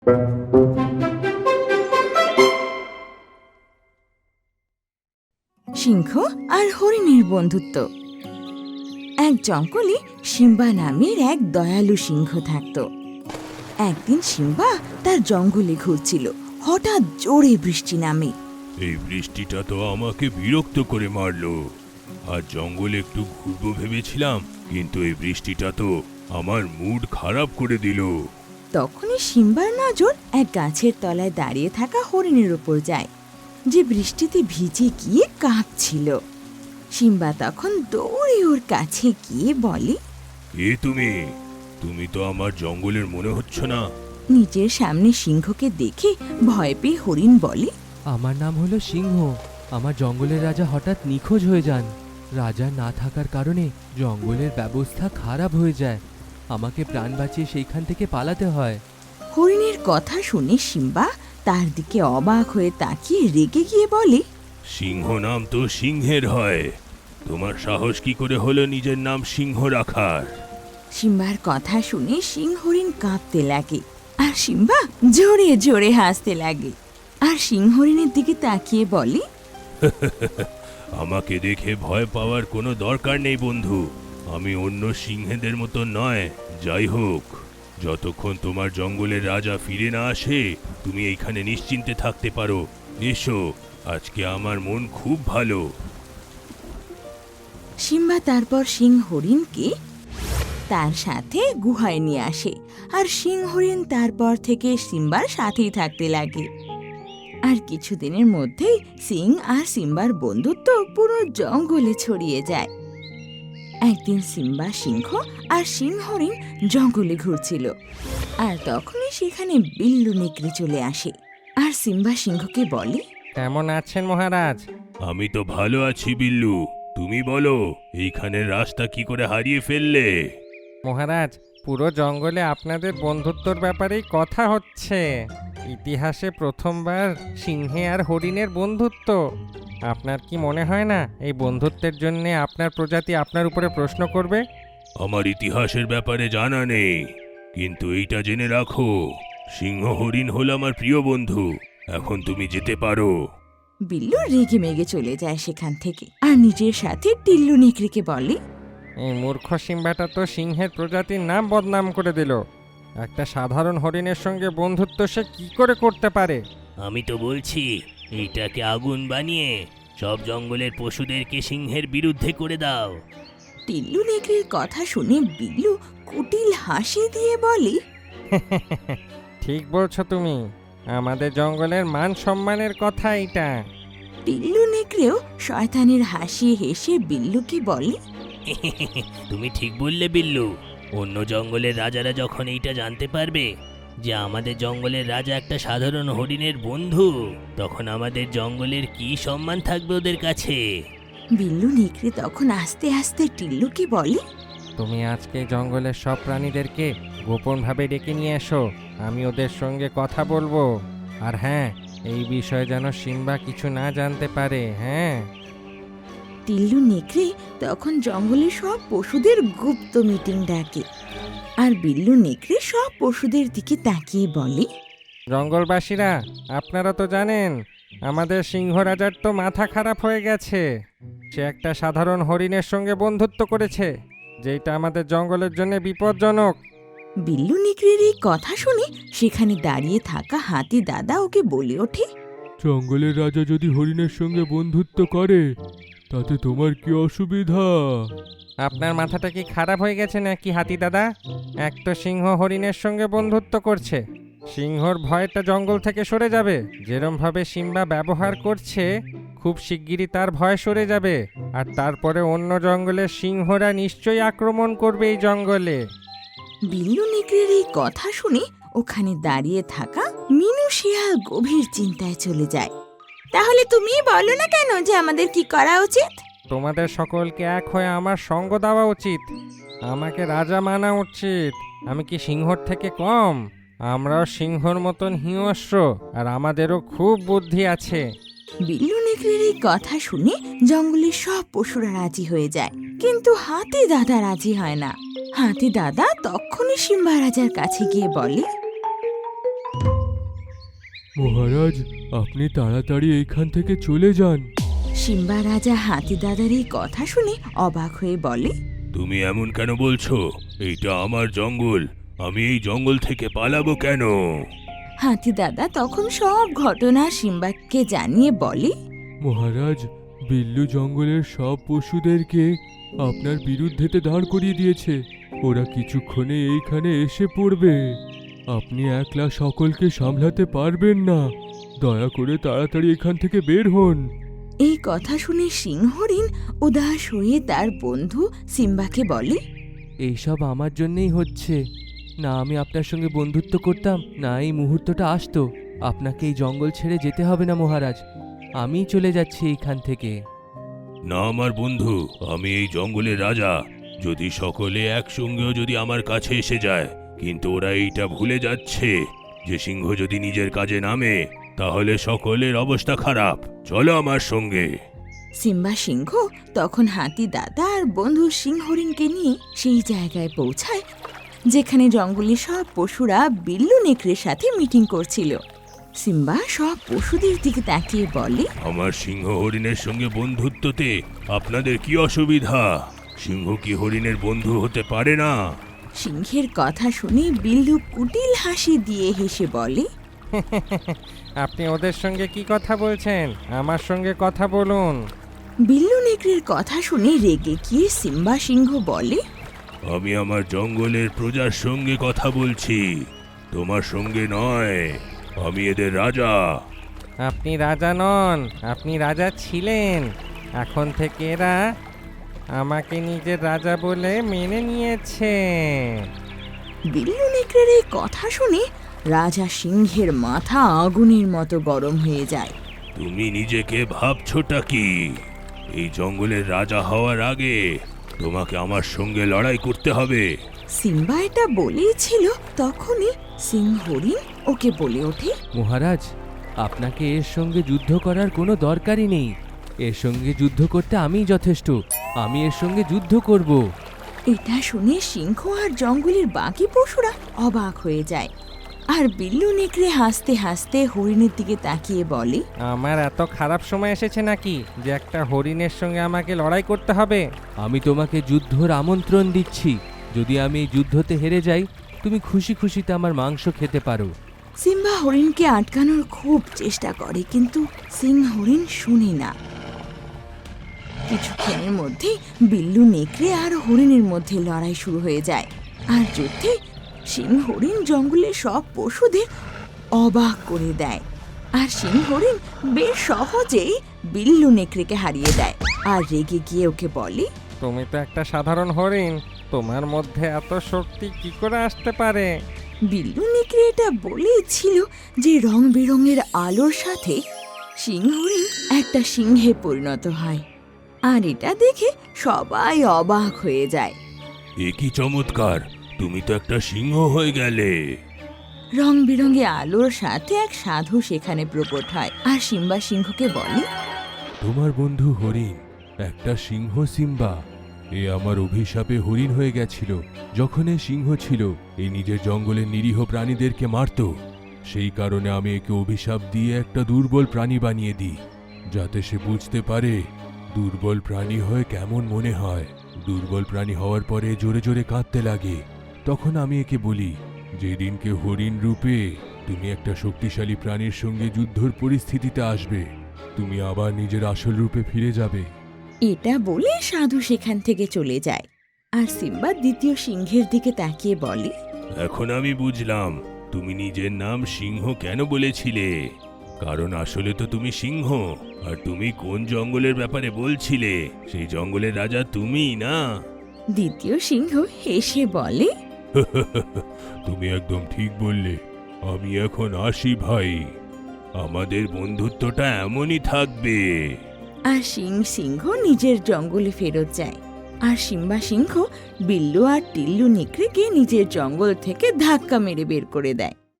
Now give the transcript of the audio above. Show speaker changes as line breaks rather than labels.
সিংহ আর হরিণের বন্ধুত্ব। এক জঙ্গলে সিম্বা নামের এক দয়ালু সিংহ থাকত। একদিন সিম্বা তার জঙ্গলে ঘুরছিল, হঠাৎ জোরে বৃষ্টি নামে।
এই বৃষ্টিটা তো আমাকে বিরক্ত করে মারলো। আর জঙ্গলে একটু ঘুরবো ভেবেছিলাম, কিন্তু এই বৃষ্টিটা তো আমার মুড খারাপ করে দিল।
তখনই সিম্বার নজর এক গাছের তলায় দাঁড়িয়ে থাকা হরিণের উপর যায়, যে বৃষ্টিতে ভিজে গিয়ে কাঁপছিল। সিম্বা তখন দৌড়ে ওর কাছে গিয়ে বলে,
কে তুমি? তুমি তো আমার জঙ্গলের মনে হচ্ছে না।
নিজের সামনে সিংহকে দেখে ভয় পেয়ে হরিণ বলে,
আমার নাম হলো সিংহ। আমার জঙ্গলের রাজা হঠাৎ নিখোঁজ হয়ে যান। রাজা না থাকার কারণে জঙ্গলের ব্যবস্থা খারাপ হয়ে যায়। আমাকে প্রাণ বাঁচিয়ে সেইখান থেকে পালাতে হয়।
হরিণের কথা শুনে সিম্বা তার দিকে অবাক হয়ে তাকিয়ে রেগে গিয়ে বলে,
সিংহ নাম তো সিংহের হয়, তোমার সাহস কি করে হলো নিজের নাম সিংহ রাখার?
সিম্বার কথা শুনে সিংহ হরিণ কাঁপতে লাগে, আর সিম্বা জোরে জোরে হাসতে লাগে। আর সিংহ হরিণের দিকে তাকিয়ে বলে,
আমাকে দেখে ভয় পাওয়ার কোনো দরকার নেই বন্ধু। আমি অন্য সিংহেদের মতো নয়। যাই হোক, যতক্ষণ তোমার জঙ্গলের রাজা ফিরে না আসে, তুমি এইখানে নিশ্চিন্তে থাকতে পারো। এসো, আজকে আমার মন খুব ভালো।
সিম্বা তারপর সিংহ হরিণকে তার সাথে গুহায় নিয়ে আসে, আর সিংহ হরিণ তারপর থেকে সিম্বার সাথেই থাকতে লাগে। আর কিছুদিনের মধ্যেই সিং আর সিম্বার বন্ধুত্ব পুরো জঙ্গলে ছড়িয়ে যায়। একদিন সিম্বা সিংহ আর সিংহ হরিণ জঙ্গলে ঘুরছিল, আর তখনই সেখানে বিল্লু নেকড়ে চলে আসে। আর সিম্বা সিংহকে বলে,
কেমন আছেন মহারাজ?
আমি তো ভালো আছি বিল্লু, তুমি বলো এইখানের রাস্তা কি করে হারিয়ে ফেললে?
মহারাজ, পুরো জঙ্গলে আপনাদের বন্ধুত্বর ব্যাপারেই কথা হচ্ছে। ইতিহাসে প্রথমবার সিংহে আর হরিণের বন্ধুত্ব। আপনার কি মনে হয় না এই বন্ধুত্বের জন্য আপনার প্রজাতি আপনার উপরে প্রশ্ন করবে?
আমার ইতিহাসের ব্যাপারে জানা নেই, কিন্তু এইটা জেনে রাখো, সিংহ হরিণ হল আমার প্রিয় বন্ধু। এখন তুমি যেতে পারো।
বিল্লু রেগে মেগে চলে যায় সেখান থেকে, আর নিজের সাথে টিল্লু নেকড়েকে বলে,
এই মূর্খ সিম্বাটা তো সিংহের প্রজাতির নাম বদনাম করে দিল। একটা সাধারণ হরিণের সঙ্গে বন্ধুত্ব সে কি করে করতে পারে?
আমি তো বলছি, এইটাকে আগুন বানিয়ে সব জঙ্গলের পশুদেরকে সিংহের বিরুদ্ধে করে দাও।
টিল্লু নেকড়ের কথা শুনে বিল্লু কুটিল হাসি দিয়ে বলে,
ঠিক বলছো তুমি, আমাদের জঙ্গলের মান সম্মানের কথা এটা।
টিল্লু নেকড়েও শয়তানের হাসি হেসে বিল্লুকে বলে,
তুমি ঠিক বললে বিল্লু। অন্য জঙ্গলের রাজারা যখন এইটা জানতে পারবে যে আমাদের জঙ্গলের রাজা একটা সাধারণ হরিণের বন্ধু, তখন আমাদের জঙ্গলের কি সম্মান থাকবে ওদের কাছে।
বিল্লু নেকড়ে তখন আস্তে আস্তে টিল্লুকে বলে,
তুমি আজকে জঙ্গলের সব প্রাণীদেরকে গোপনভাবে ডেকে নিয়ে এসো, আমি ওদের সঙ্গে কথা বলবো। আর হ্যাঁ, এই বিষয়ে যেন সিম্বা কিছু না জানতে পারে। হ্যাঁ,
টিল্লু নেকড়ে তখন জঙ্গলের সব পশুদের গুপ্ত মিটিং ডাকে, আর বিল্লু নেকড়ে সব পশুদের দিকে তাকিয়ে বলে,
জঙ্গলবাসীরা, আপনারা তো জানেন আমাদের সিংহ রাজার তো মাথা খারাপ হয়ে গেছে। সে একটা সাধারণ হরিণের সঙ্গে বন্ধুত্ব করেছে, যেটা আমাদের জঙ্গলের জন্য বিপজ্জনক।
বিল্লু নেকড়ের এই কথা শুনে সেখানে দাঁড়িয়ে থাকা হাতি দাদা ওকে বলে ওঠে,
জঙ্গলের রাজা যদি হরিণের সঙ্গে বন্ধুত্ব করে, তাতে তোমার কি অসুবিধা?
আপনার মাথাটা কি খারাপ হয়ে গেছে নাকি হাতি দাদা? এক তো সিংহ হরিণের সঙ্গে বন্ধুত্ব করছে, সিংহর ভয়টা জঙ্গল থেকে সরে যাবে। যেরমভাবে সিম্বা ব্যবহার করছে, খুব শিগগিরই তার ভয় সরে যাবে। আর তারপরে অন্য জঙ্গলের সিংহরা নিশ্চয়ই আক্রমণ করবে এই জঙ্গলে।
বিল্লু নেকড়ের এই কথা শুনে ওখানে দাঁড়িয়ে থাকা মিনু শিয়াল গভীর চিন্তায় চলে যায়। তাহলে তুমি বলো না কেন যে আমাদের কি করা উচিত?
তোমাদের সকলকে এক হয়ে আমার সঙ্গ দেওয়া উচিত, আমাকে রাজা মানা উচিত। আমি কি সিংহর থেকে কম? আমরাও সিংহর মতন হিংস্র, আর আমাদেরও খুব বুদ্ধি আছে।
বিল্লু নেকড়ের এই কথা শুনে জঙ্গলের সব পশুরা রাজি হয়ে যায়, কিন্তু হাতি দাদা রাজি হয় না। হাতি দাদা তখনই সিম্বা রাজার কাছে গিয়ে বলে,
মহারাজ, আপনি তাড়াতাড়ি এইখান থেকে চলে যান।
সিম্বা রাজা হাতি দাদার এই কথা শুনে অবাক হয়ে বলে,
তুমি এমন কেন বলছো? এইটা আমার জঙ্গল, আমি এই জঙ্গল থেকে পালাবো কেন?
হাতি দাদা তখন সব ঘটনা সিম্বাকে জানিয়ে বলে,
মহারাজ, বিল্লু জঙ্গলের সব পশুদেরকে আপনার বিরুদ্ধেতে দাঁড় করিয়ে দিয়েছে। ওরা কিছুক্ষণে এইখানে এসে পড়বে। আপনি একলা সকলকে সামলাতে পারবেন না। দয়া করে তাড়াতাড়ি এখান থেকে বের হন।
এই কথা শুনে সিংহরিণ উদাস হয়ে তার বন্ধু সিম্বাকে বলে,
এইসব আমার জন্যই হচ্ছে। না আমি আপনার সঙ্গে বন্ধুত্ব করতাম, না এই মুহূর্তটা আসতো। আপনাকে এই জঙ্গল ছেড়ে যেতে হবে না মহারাজ, আমিই চলে যাচ্ছি এইখান থেকে।
না আমার বন্ধু, আমি এই জঙ্গলের রাজা। যদি সকলে একসঙ্গেও যদি আমার কাছে এসে যায়, কিন্তু ওরা এইটা ভুলে যাচ্ছে যে সিংহ যদি নিজের কাজে নামে তাহলে সকলের অবস্থা খারাপ। চলো আমার সঙ্গে।
সিম্বা সিংহ তখন হাতি দাদা আর বন্ধু সিংহরিণকে নিয়ে সেই জায়গায় পৌঁছায় যেখানে জঙ্গলের সব পশুরা বিল্লু নেকড়ের সাথে মিটিং করছিল। সিম্বা সব পশুদের দিকে তাকিয়ে বলে,
আমার সিংহ হরিণের সঙ্গে বন্ধুত্বতে আপনাদের কি অসুবিধা? সিংহ কি হরিণের বন্ধু হতে পারে না?
সিংহের কথা শুনে বিল্লু কুটিল হাসি দিয়ে হেসে বলে,
আপনি ওদের সঙ্গে কি কথা বলছেন? আমার সঙ্গে কথা বলুন।
বিল্লু নেকড়ের কথা শুনে রেগে গিয়ে সিম্বা সিংহ বলে,
আমি আমার জঙ্গলের প্রজার সঙ্গে কথা বলছি, তোমার সঙ্গে নয়। আমি এদের রাজা।
আপনি রাজা নন, আপনি রাজা ছিলেন। এখন থেকে এরা আমাকে নিজের রাজা বলে মেনে নিয়েছে।
বিল্লু নেকড়ের এই কথা শুনে রাজা সিংহের মাথা আগুনের মতো গরম হয়ে যায়।
তুমি নিজেকে ভাবছোটা কি? এই জঙ্গলের রাজা হওয়ার আগে তোমাকে আমার সঙ্গে লড়াই করতে হবে।
সিম্বা এটা বলেছিল তখনই সিংহরিণ ওকে বলে ওঠে,
মহারাজ, আপনাকে এর সঙ্গে যুদ্ধ করার কোনো দরকারই নেই। এর সঙ্গে যুদ্ধ করতে আমিই যথেষ্ট। আমি এর সঙ্গে যুদ্ধ করব।
এটা শুনে সিংহ আর জঙ্গলের বাকি পশুরা অবাক হয়ে যায়। আর বিল্লু নেকড়ে হাসতে হাসতে হরিণের দিকে তাকিয়ে বলে,
আমার এত খারাপ সময় এসেছে নাকি যে একটা হরিণের সঙ্গে আমাকে লড়াই করতে হবে?
আমি তোমাকে যুদ্ধর আমন্ত্রণ দিচ্ছি। যদি আমি এই যুদ্ধতে হেরে যাই, তুমি খুশি খুশিতে আমার মাংস খেতে পারো।
সিম্বা হরিণকে আটকানোর খুব চেষ্টা করে, কিন্তু সিংহরিণ শুনে না। কিছুক্ষণের মধ্যে বিল্লু নেকড়ে আর হরিণের মধ্যে লড়াই শুরু হয়ে যায়। আর যুদ্ধে সিংহরিণ জঙ্গলের সব পশুদের অবাক করে দেয়। আর সিংহরিণ বেশ সহজেই বিল্লু নেকড়েকে হারিয়ে দেয়। আর রেগে গিয়ে ওকে বলে,
তুমি তো একটা সাধারণ হরিণ, তোমার মধ্যে এত শক্তি কি করে আসতে পারে?
বিল্লু নেকড়ে এটা বলেছিল যে রং বেরঙের আলোর সাথে সিংহরিণ একটা সিংহে পরিণত হয়। আর এটা দেখে সবাই অবাক হয়ে যায়।
এ কি চমৎকার! তুমি তো একটা সিংহ হয়ে গেলে।
রং বেরঙে আলোর সাথে এক সাধু সেখানে প্রকট হয় আর সিম্বা সিংহকে বলে,
তোমার বন্ধু হরিণ একটা সিংহ। সিম্বা, এ আমার অভিশাপে হরিণ হয়ে গেছিল। যখন এ সিংহ ছিল, এ নিজের জঙ্গলের নিরীহ প্রাণীদেরকে মারত। সেই কারণে আমি একে অভিশাপ দিয়ে একটা দুর্বল প্রাণী বানিয়ে দিই, যাতে সে বুঝতে পারে দুর্বল প্রাণী হয়ে কেমন মনে হয়। দুর্বল প্রাণী হওয়ার পরে জোরে জোরে কাঁদতে লাগে। তখন আমি একে বলি, যেদিনকে হরিণ রূপে তুমি একটা শক্তিশালী প্রাণীর সঙ্গে যুদ্ধর পরিস্থিতিতে আসবে, তুমি আবার নিজের আসল রূপে ফিরে যাবে।
এটা বলে সাধু সেখান থেকে চলে যায়। আর সিম্বা দ্বিতীয় সিংহের দিকে তাকিয়ে বলে,
এখন আমি বুঝলাম তুমি নিজের নাম সিংহ কেন বলেছিলে। কারণ আসলে তো তুমি সিংহ। আর তুমি কোন জঙ্গলের ব্যাপারে বলছিলে? সেই জঙ্গলের রাজা তুমিই না?
দ্বিতীয় সিংহ হেসে বলে,
তুমি একদম ঠিক বললে। আমি এখন আসি ভাই, আমাদের বন্ধুত্বটা এমনই থাকবে।
আর সিংহ নিজের জঙ্গলে ফেরত যায়। আর সিম্বা সিংহ বিল্লু আর টিল্লু নেকড়েকে নিজের জঙ্গল থেকে ধাক্কা মেরে বের করে দেয়।